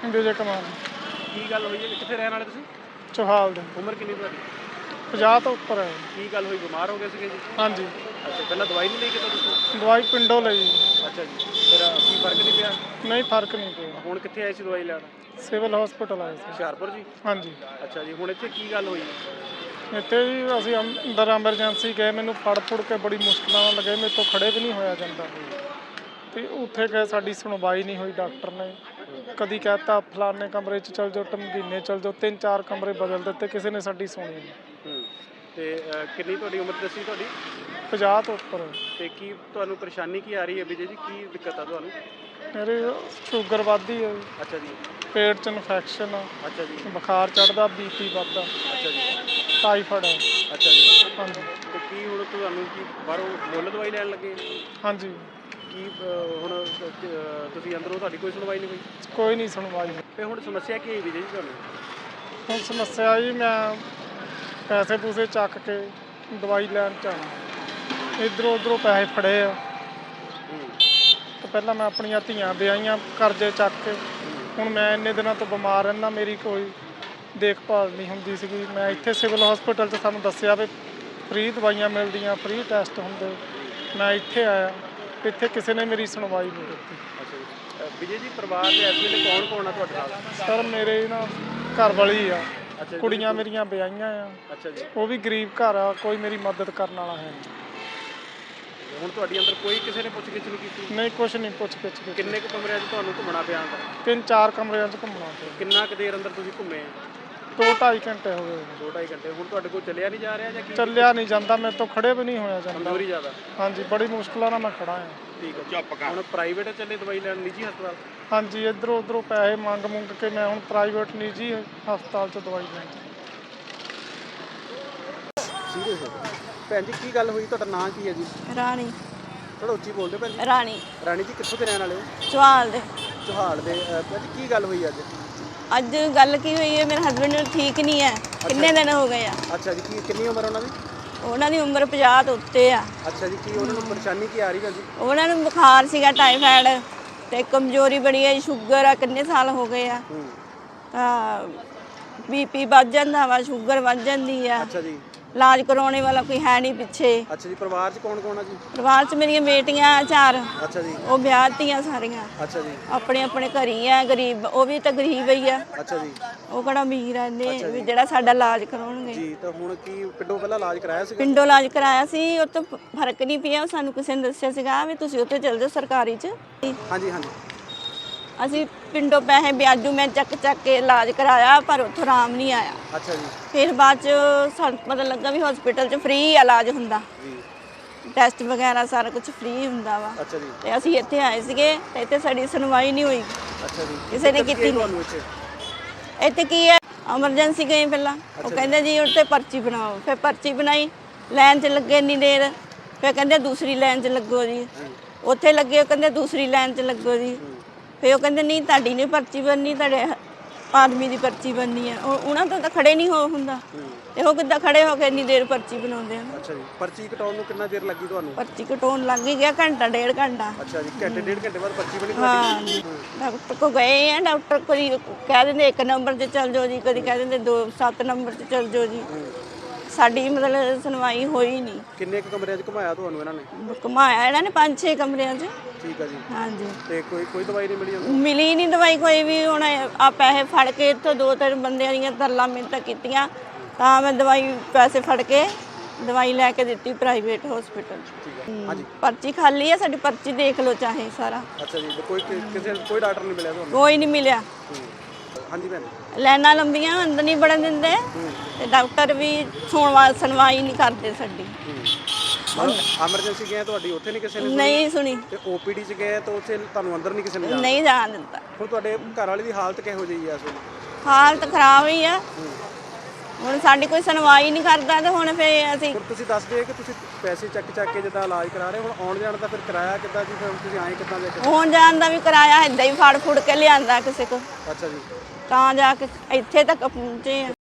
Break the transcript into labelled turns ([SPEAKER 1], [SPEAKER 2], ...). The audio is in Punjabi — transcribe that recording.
[SPEAKER 1] विजय कुमार
[SPEAKER 2] ਕੀ ਗੱਲ ਹੋਈ ਹੈ? ਕਿੱਥੇ ਰਹਿਣ ਵਾਲੇ ਤੁਸੀਂ?
[SPEAKER 1] चौहाल दे
[SPEAKER 2] ਉਮਰ ਕਿੰਨੀ ਤੁਹਾਡੀ?
[SPEAKER 1] 50 तो उपर है।
[SPEAKER 2] ਕੀ ਗੱਲ ਹੋਈ? ਬਿਮਾਰ ਹੋ ਗਏ ਸੀਗੇ ਜੀ?
[SPEAKER 1] हाँ जी,
[SPEAKER 2] ਅੱਛਾ, ਪਹਿਲਾਂ ਦਵਾਈ ਨਹੀਂ ਲਈ ਕਿਤੋਂ ਤੁਸੀਂ?
[SPEAKER 1] दवाई पिंडों ली।
[SPEAKER 2] ਅੱਛਾ ਜੀ, ਫਿਰ ਕੀ ਫਰਕ ਨਹੀਂ ਪਿਆ?
[SPEAKER 1] नहीं फर्क नहीं पिया।
[SPEAKER 2] ਹੁਣ ਕਿੱਥੇ ਆਏ ਸੀ ਦਵਾਈ ਲੈਣ?
[SPEAKER 1] सिविल हॉस्पिटल आए थे।
[SPEAKER 2] ਹੁਸ਼ਿਆਰਪੁਰ ਜੀ?
[SPEAKER 1] हाँ जी,
[SPEAKER 2] ਅੱਛਾ ਜੀ, ਹੁਣ ਇੱਥੇ ਕੀ ਗੱਲ ਹੋਈ?
[SPEAKER 1] ਇੱਥੇ ਜੀ ਅਸੀਂ ਅੰਦਰ ਐਮਰਜੈਂਸੀ ਗਏ, ਮੈਨੂੰ ਫੜ ਫੁੜ ਕੇ ਬੜੀ ਮੁਸ਼ਕਲਾਂ ਨਾਲ ਲੱਗੇ, ਮੇਰੇ ਤੋਂ ਖੜੇ ਵੀ ਨਹੀਂ ਹੋਇਆ ਜਾਂਦਾ। ਤੇ ਉੱਥੇ ਗਏ, ਸਾਡੀ ਸੁਣਵਾਈ ਨਹੀਂ ਹੋਈ। ਡਾਕਟਰ ਨੇ ਕਦੀ ਕਹਿਤਾ ਫਲਾਣੇ ਕਮਰੇ 'ਚ ਚਲ ਜਾਓ, ਟਮਕੀਨੇ ਚਲ ਜਾਓ, 3-4 ਕਮਰੇ ਬਦਲ ਦਿੱਤੇ, ਕਿਸੇ ਨੇ ਸਾਡੀ ਸੁਣੀ ਨਹੀਂ।
[SPEAKER 2] ਤੇ ਕਿੰਨੀ ਤੁਹਾਡੀ ਉਮਰ ਦੱਸੀ ਤੁਹਾਡੀ?
[SPEAKER 1] 50 ਤੋਂ ਉੱਪਰ।
[SPEAKER 2] ਤੇ ਕੀ ਤੁਹਾਨੂੰ ਪਰੇਸ਼ਾਨੀ ਕੀ ਆ ਰਹੀ ਹੈ ਵਿਜੇ ਜੀ? ਕੀ ਦਿੱਕਤ ਆ ਤੁਹਾਨੂੰ?
[SPEAKER 1] ਮੇਰੇ ਸ਼ੂਗਰ ਵੱਧਦੀ ਹੈ,
[SPEAKER 2] ਅੱਛਾ ਜੀ।
[SPEAKER 1] ਪੇਟ 'ਚ ਇਨਫੈਕਸ਼ਨ ਆ,
[SPEAKER 2] ਅੱਛਾ ਜੀ।
[SPEAKER 1] ਬੁਖਾਰ ਚੜ੍ਹਦਾ, ਬੀਪੀ ਵੱਧਦਾ,
[SPEAKER 2] ਅੱਛਾ ਜੀ।
[SPEAKER 1] ਟਾਈਫਾਇਡ ਹੈ।
[SPEAKER 2] ਅੱਛਾ ਜੀ।
[SPEAKER 1] ਹਾਂਜੀ
[SPEAKER 2] ਤੇ ਕੀ ਹੁਣ ਤੁਹਾਨੂੰ ਕੀ ਬਾਹਰੋਂ ਮੁੱਲ ਦਵਾਈ ਲੈਣ ਲੱਗੇ?
[SPEAKER 1] ਹਾਂਜੀ,
[SPEAKER 2] ਕੀ ਹੁਣ ਤੁਸੀਂ ਅੰਦਰੋਂ ਤੁਹਾਡੀ ਕੋਈ ਸੁਣਵਾਈ ਨਹੀਂ ਹੋਈ?
[SPEAKER 1] ਕੋਈ ਨਹੀਂ ਸੁਣਵਾਈ।
[SPEAKER 2] ਤੇ ਹੁਣ ਸਮੱਸਿਆ ਕੀ ਹੈ ਵਿਜੇ ਜੀ ਤੁਹਾਨੂੰ?
[SPEAKER 1] ਹੁਣ ਸਮੱਸਿਆ ਜੀ, ਮੈਂ ਪੈਸੇ ਪੂਸੇ ਚੱਕ ਕੇ ਦਵਾਈ ਲੈਣ ਚ ਆਇਆ, ਇੱਧਰੋਂ ਉੱਧਰੋਂ ਪੈਸੇ ਫੜੇ ਆ। ਤੇ ਪਹਿਲਾਂ ਮੈਂ ਆਪਣੀਆਂ ਧੀਆਂ ਵਿਆਹੀਆਂ ਕਰਜ਼ੇ ਚੱਕ ਕੇ। ਹੁਣ ਮੈਂ ਇੰਨੇ ਦਿਨਾਂ ਤੋਂ ਬਿਮਾਰ ਰਹਿੰਦਾ, ਮੇਰੀ ਕੋਈ ਦੇਖਭਾਲ ਨਹੀਂ ਹੁੰਦੀ ਸੀਗੀ। ਮੈਂ ਇੱਥੇ ਸਿਵਲ ਹਸਪੀਟਲ 'ਚ ਸਾਨੂੰ ਦੱਸਿਆ ਵੀ ਫ੍ਰੀ ਦਵਾਈਆਂ ਮਿਲਦੀਆਂ, ਫ੍ਰੀ ਟੈਸਟ ਹੁੰਦੇ। ਮੈਂ ਇੱਥੇ ਆਇਆ, ਇੱਥੇ ਕਿਸੇ ਨੇ ਮੇਰੀ ਸੁਣਵਾਈ ਨਹੀਂ ਕੀਤੀ।
[SPEAKER 2] ਅੱਛਾ ਜੀ। ਵਿਜੇ ਜੀ, ਪਰਿਵਾਰ ਦੇ ਇਸ ਵੇਲੇ ਕੌਣ ਕੌਣ ਆ ਤੁਹਾਡੇ ਨਾਲ?
[SPEAKER 1] ਸਰ ਮੇਰੇ ਨਾ ਘਰ ਵਾਲੀ ਆ,
[SPEAKER 2] ਅੱਛਾ ਜੀ।
[SPEAKER 1] ਕੁੜੀਆਂ ਮੇਰੀਆਂ ਵਿਆਹੀਆਂ ਆ।
[SPEAKER 2] ਅੱਛਾ ਜੀ।
[SPEAKER 1] ਉਹ ਵੀ ਗਰੀਬ ਘਰ ਆ, ਕੋਈ ਮੇਰੀ ਮਦਦ ਕਰਨ ਵਾਲਾ ਹੈ ਨਹੀਂ।
[SPEAKER 2] ਹੁਣ ਤੁਹਾਡੀ ਅੰਦਰ ਕੋਈ ਕਿਸੇ ਨੇ ਪੁੱਛ ਗਿੱਛ ਨਹੀਂ ਕੀਤੀ?
[SPEAKER 1] ਨਹੀਂ, ਕੁਛ ਨਹੀਂ ਪੁੱਛ ਗਿੱਛ ਕੀਤੀ।
[SPEAKER 2] ਕਿੰਨੇ ਕੁ ਕਮਰਿਆਂ 'ਚ ਤੁਹਾਨੂੰ ਘੁੰਮਣਾ ਪਿਆ ਅੰਦਰ?
[SPEAKER 1] 3-4 ਕਮਰਿਆਂ 'ਚ ਘੁੰਮਣਾ ਪਿਆ।
[SPEAKER 2] ਕਿੰਨਾ ਕੁ ਦੇਰ ਅੰਦਰ ਤੁਸੀਂ ਘੁੰਮੇ ਆ?
[SPEAKER 1] 2-2.5 ਘੰਟੇ ਹੋ ਗਏ।
[SPEAKER 2] 2-2.5 ਘੰਟੇ। ਹੁਣ ਤੁਹਾਡੇ ਕੋਲ ਚੱਲਿਆ ਨਹੀਂ ਜਾ ਰਿਹਾ ਜਾਂ ਕੀ?
[SPEAKER 1] ਚੱਲਿਆ ਨਹੀਂ ਜਾਂਦਾ, ਮੇਰੇ ਤੋਂ ਖੜੇ ਵੀ ਨਹੀਂ ਹੋਇਆ ਜਾਂਦਾ।
[SPEAKER 2] ਕਮਜ਼ੋਰੀ ਜ਼ਿਆਦਾ?
[SPEAKER 1] ਹਾਂਜੀ, ਬੜੀ ਮੁਸ਼ਕਲਾਂ ਨਾਲ ਮੈਂ ਖੜਾ ਹਾਂ।
[SPEAKER 2] ਠੀਕ ਹੈ। ਹੁਣ ਪ੍ਰਾਈਵੇਟ ਚੱਲੇ ਦਵਾਈ ਲੈਣ, ਨਿੱਜੀ ਹਸਪਤਾਲ?
[SPEAKER 1] ਹਾਂਜੀ, ਇੱਧਰੋਂ ਉੱਧਰੋਂ ਪੈਸੇ ਮੰਗ ਕੇ ਮੈਂ ਹੁਣ ਪ੍ਰਾਈਵੇਟ ਨਿੱਜੀ ਹਸਪਤਾਲ 'ਚ ਦਵਾਈ ਲੈਣ।
[SPEAKER 2] ਸੀਰੀਅਸ ਹੋ ਗਏ। ਭੈਣ ਜੀ, ਕੀ ਗੱਲ ਹੋਈ? ਤੁਹਾਡਾ ਨਾਂ ਕੀ ਹੈ ਜੀ?
[SPEAKER 3] ਰਾਣੀ।
[SPEAKER 2] ਥੋੜਾ ਉੱਚੀ ਬੋਲਦੇ ਭੈਣ ਜੀ।
[SPEAKER 3] ਰਾਣੀ
[SPEAKER 2] ਰਾਣੀ ਜੀ, ਕਿੱਥੋਂ ਦੇ ਰਹਿਣ ਵਾਲੇ ਹੋ?
[SPEAKER 3] ਚੌਹਾਲ ਦੇ।
[SPEAKER 2] ਚੌਹਾਲ ਦੇ। ਭੈਣ ਜੀ, ਕੀ ਗੱਲ ਹੋਈ ਅੱਜ?
[SPEAKER 3] ਅੱਜ ਗੱਲ ਕੀ ਹੋਈ ਹੈ, ਮੇਰੇ ਹਸਬੰਡ ਨੂੰ ਠੀਕ ਨਹੀਂ ਹੈ, ਕਿੰਨੇ ਦਿਨ ਹੋ ਗਏ ਆ।
[SPEAKER 2] ਅੱਛਾ ਜੀ। ਕਿੰਨੀ ਉਮਰ ਉਹਨਾਂ ਦੀ?
[SPEAKER 3] ਉਹਨਾਂ ਦੀ ਉਮਰ 50 ਤੋਂ ਉੱਤੇ ਆ।
[SPEAKER 2] ਅੱਛਾ ਜੀ। ਕੀ ਉਹਨਾਂ ਨੂੰ ਪਰੇਸ਼ਾਨੀ ਕੀ ਆ ਰਹੀ ਭੈਣ ਜੀ?
[SPEAKER 3] ਉਹਨਾਂ ਨੂੰ ਬੁਖਾਰ ਸੀਗਾ, ਟਾਈਫਾਇਡ ਤੇ ਕਮਜ਼ੋਰੀ ਬੜੀ ਹੈ, ਸ਼ੂਗਰ ਆ, ਕਿੰਨੇ ਸਾਲ ਹੋ ਗਏ ਆ। ਤਾਂ ਬੀਪੀ ਵੱਧ ਜਾਂਦਾ ਵਾ, ਸ਼ੂਗਰ ਵੱਧ ਜਾਂਦੀ ਆ।
[SPEAKER 2] ਅੱਛਾ ਜੀ।
[SPEAKER 3] ਇਲਾਜ ਕਰਾਉਣੇ ਵਾਲਾ ਕੋਈ ਹੈ ਨਹੀਂ ਪਿੱਛੇ।
[SPEAKER 2] ਅੱਛਾ ਜੀ। ਪਰਿਵਾਰ 'ਚ ਕੌਣ ਕੌਣ ਆ ਜੀ?
[SPEAKER 3] ਪਰਿਵਾਰ 'ਚ ਮੇਰੀਆਂ ਬੇਟੀਆਂ 4,
[SPEAKER 2] ਅੱਛਾ ਜੀ।
[SPEAKER 3] ਉਹ ਵਿਆਹਤੀਆਂ ਸਾਰੀਆਂ।
[SPEAKER 2] ਅੱਛਾ ਜੀ।
[SPEAKER 3] ਆਪਣੇ ਆਪਣੇ ਘਰ ਹੀ ਆ, ਗਰੀਬ, ਉਹ ਵੀ ਤਾਂ ਗਰੀਬ ਹੀ ਆ।
[SPEAKER 2] ਅੱਛਾ ਜੀ।
[SPEAKER 3] ਉਹ ਕਿਹੜਾ ਅਮੀਰ ਆ ਨੇ ਵੀ ਜਿਹੜਾ ਸਾਡਾ ਇਲਾਜ ਕਰਾਉਣਗੇ।
[SPEAKER 2] ਜੀ, ਤਾਂ ਹੁਣ ਕੀ ਪਿੰਡੋਂ ਪਹਿਲਾਂ ਇਲਾਜ ਕਰਾਇਆ ਸੀਗਾ?
[SPEAKER 3] ਪਿੰਡੋਂ ਇਲਾਜ ਕਰਾਇਆ ਸੀ, ਉਹ ਤੋਂ ਫਰਕ ਨਹੀਂ ਪਿਆ। ਉਹ ਸਾਨੂੰ ਕਿਸੇ ਨੇ ਦੱਸਿਆ ਸੀਗਾ ਵੀ ਤੁਸੀਂ ਉੱਥੇ ਚਲ ਜਾਓ ਸਰਕਾਰੀ 'ਚ।
[SPEAKER 2] ਹਾਂਜੀ ਹਾਂਜੀ।
[SPEAKER 3] ਅਸੀਂ ਪਿੰਡੋਂ ਪੈਸੇ ਵਿਆਜੂ ਮੈਂ ਚੱਕ ਕੇ ਇਲਾਜ ਕਰਾਇਆ, ਪਰ ਉੱਥੋਂ ਆਰਾਮ ਨਹੀਂ ਆਇਆ।
[SPEAKER 2] ਅੱਛਾ ਜੀ।
[SPEAKER 3] ਫਿਰ ਬਾਅਦ 'ਚ ਸਾਨੂੰ ਪਤਾ ਲੱਗਾ ਵੀ ਹਸਪੀਟਲ 'ਚ ਫ੍ਰੀ ਇਲਾਜ ਹੁੰਦਾ,
[SPEAKER 2] ਜੀ।
[SPEAKER 3] ਟੈਸਟ ਵਗੈਰਾ ਸਾਰਾ ਕੁਝ ਫ੍ਰੀ ਹੁੰਦਾ ਵਾ।
[SPEAKER 2] ਅੱਛਾ ਜੀ।
[SPEAKER 3] ਤੇ ਅਸੀਂ ਇੱਥੇ ਆਏ ਸੀਗੇ ਤੇ ਇੱਥੇ ਸਾਡੀ ਸੁਣਵਾਈ ਨਹੀਂ ਹੋਈ,
[SPEAKER 2] ਅੱਛਾ ਜੀ।
[SPEAKER 3] ਕਿਸੇ ਨੇ ਕੀਤੀ
[SPEAKER 2] ਤੁਹਾਨੂੰ
[SPEAKER 3] ਨਹੀਂ।
[SPEAKER 2] ਇੱਥੇ?
[SPEAKER 3] ਇੱਥੇ ਕੀ ਹੈ, ਐਮਰਜੈਂਸੀ ਗਏ ਪਹਿਲਾਂ, ਉਹ ਕਹਿੰਦੇ ਜੀ ਉੱਤੇ ਪਰਚੀ ਬਣਾਓ। ਫਿਰ ਪਰਚੀ ਬਣਾਈ, ਲਾਈਨ 'ਚ ਲੱਗੇ ਇੰਨੀ ਦੇਰ, ਫਿਰ ਕਹਿੰਦੇ ਦੂਸਰੀ ਲਾਈਨ 'ਚ ਲੱਗੋ ਜੀ। ਉੱਥੇ ਲੱਗੇ, ਉਹ ਕਹਿੰਦੇ ਦੂਸਰੀ ਲਾਈਨ 'ਚ ਲੱਗੋ ਜੀ। ਫਿਰ ਉਹ ਕਹਿੰਦੇ ਨਹੀਂ, ਤੁਹਾਡੀ ਨਹੀਂ ਪਰਚੀ ਬਣਨੀ, ਤੁਹਾਡੇ ਆਦਮੀ ਦੀ ਪਰਚੀ ਬਣਨੀ ਹੈ। ਉਹਨਾਂ ਤੋਂ ਤਾਂ ਖੜੇ ਨਹੀਂ ਹੁੰਦਾ, ਤੇ ਉਹ ਕਿੱਦਾਂ ਖੜੇ ਹੋ ਕੇ ਇੰਨੀ ਦੇਰ ਪਰਚੀ ਬਣਾਉਂਦੇ ਹਨ।
[SPEAKER 2] ਅੱਛਾ ਜੀ। ਪਰਚੀ ਕਟਾਉਣ ਨੂੰ ਕਿੰਨਾ ਚਿਰ ਲੱਗੀ ਤੁਹਾਨੂੰ?
[SPEAKER 3] ਪਰਚੀ ਕਟਾਉਣ ਲੱਗ ਹੀ ਗਿਆ ਘੰਟਾ, 1.5 ਘੰਟਾ।
[SPEAKER 2] ਅੱਛਾ ਜੀ। ਘੰਟੇ 1.5 ਘੰਟੇ ਬਾਅਦ ਪਰਚੀ ਬਣੀ
[SPEAKER 3] ਹਾਂ,
[SPEAKER 2] ਤੁਹਾਡੀ?
[SPEAKER 3] ਡਾਕਟਰ ਕੋ ਗਏ ਆ, ਡਾਕਟਰ ਕੋਈ ਕਹਿ ਦਿੰਦੇ 1 ਨੰਬਰ 'ਚ ਚੱਲ ਜਾਓ ਜੀ, ਕਦੀ ਕਹਿ ਦਿੰਦੇ 7 ਨੰਬਰ 'ਚ ਚੱਲ ਜਾਓ ਜੀ। ਸਾਡੀ ਮਤਲਬ ਸੁਣਵਾਈ ਹੋਈ ਨਹੀਂ।
[SPEAKER 2] ਕਿੰਨੇ ਕੁ ਕਮਰਿਆਂ 'ਚ ਘੁਮਾਇਆ ਤੁਹਾਨੂੰ ਇਹਨਾਂ ਨੇ?
[SPEAKER 3] ਘੁਮਾਇਆ ਇਹਨਾਂ ਨੇ 5-6 ਕਮਰਿਆਂ 'ਚ।
[SPEAKER 2] ਠੀਕ ਆ ਜੀ।
[SPEAKER 3] ਹਾਂਜੀ।
[SPEAKER 2] ਤੇ ਕੋਈ ਦਵਾਈ ਨਹੀਂ ਮਿਲੀ ਉਹਨੂੰ?
[SPEAKER 3] ਮਿਲੀ ਨਹੀਂ ਦਵਾਈ ਕੋਈ ਵੀ। ਹੁਣ ਆ ਪੈਸੇ ਫੜ ਕੇ ਇੱਥੋਂ 2-3 ਬੰਦਿਆਂ ਦੀਆਂ ਤਰਲਾ ਮਿੰਨਤਾਂ ਕੀਤੀਆਂ, ਤਾਂ ਮੈਂ ਦਵਾਈ ਪੈਸੇ ਫੜ ਕੇ ਦਵਾਈ ਲੈ ਕੇ ਦਿੱਤੀ ਪ੍ਰਾਈਵੇਟ ਹਸਪੀਟਲ।
[SPEAKER 2] ਹਾਂਜੀ।
[SPEAKER 3] ਪਰਚੀ ਖਾਲੀ ਆ ਸਾਡੀ, ਪਰਚੀ ਦੇਖ ਲਓ ਚਾਹੇ ਸਾਰਾ।
[SPEAKER 2] ਅੱਛਾ ਜੀ। ਕੋਈ ਡਾਕਟਰ ਨਹੀਂ ਮਿਲਿਆ ਤੁਹਾਨੂੰ?
[SPEAKER 3] ਕੋਈ ਨਹੀਂ ਮਿਲਿਆ।
[SPEAKER 2] ਹਾਂਜੀ ਭੈਣ।
[SPEAKER 3] ਲਾਈਨਾਂ ਲੰਬੀਆਂ, ਅੰਦਰ ਨਹੀਂ ਵੜਨ ਦਿੰਦੇ, ਤੇ ਡਾਕਟਰ ਵੀ ਸੁਣਵਾਈ ਨਹੀਂ ਕਰਦੇ ਸਾਡੀ।
[SPEAKER 2] ਐਮਰਜੈਂਸੀ ਗਏ ਤੁਹਾਡੀ, ਉੱਥੇ ਨਹੀਂ ਕਿਸੇ ਨੇ?
[SPEAKER 3] ਨਹੀਂ ਸੁਣੀ।
[SPEAKER 2] ਤੇ ਓਪੀਡੀ 'ਚ ਗਏ ਤਾਂ ਉੱਥੇ ਤੁਹਾਨੂੰ ਅੰਦਰ ਨਹੀਂ ਕਿਸੇ ਨੇ ਜਾਣ?
[SPEAKER 3] ਨਹੀਂ ਜਾਣ ਦਿੱਤਾ।
[SPEAKER 2] ਹੁਣ ਤੁਹਾਡੇ ਘਰ ਵਾਲੇ ਦੀ ਹਾਲਤ ਕਿਹੋ ਜਿਹੀ ਆ ਇਸ ਵੇਲੇ?
[SPEAKER 3] ਹਾਲਤ ਖਰਾਬ ਹੀ ਆ। ਹੁਣ ਸਾਡੀ ਕੋਈ ਸੁਣਵਾਈ ਨਹੀਂ ਕਰਦਾ, ਤੇ ਹੁਣ ਫਿਰ ਅਸੀਂ।
[SPEAKER 2] ਹੁਣ ਤੁਸੀਂ ਦੱਸਦੇ ਕਿ ਤੁਸੀਂ ਪੈਸੇ ਚੱਕ ਕੇ ਜਿੱਦਾਂ ਇਲਾਜ ਕਰਾ ਰਹੇ, ਹੁਣ ਆਉਣ ਜਾਣ ਦਾ ਫਿਰ ਕਿਰਾਇਆ ਕਿੱਦਾਂ ਜੀ? ਫਿਰ ਤੁਸੀਂ ਆਏ ਕਿੱਦਾਂ ਦੇ?
[SPEAKER 3] ਆਉਣ ਜਾਣ ਦਾ ਵੀ ਕਿਰਾਇਆ ਏਦਾਂ ਹੀ ਫੜ ਫੁੜ ਕੇ ਲਿਆਂਦਾ ਕਿਸੇ ਕੋ,
[SPEAKER 2] ਅੱਛਾ ਜੀ।
[SPEAKER 3] ਤਾਂ ਜਾ ਕੇ ਇੱਥੇ ਤੱਕ ਪਹੁੰਚੇ ਆ।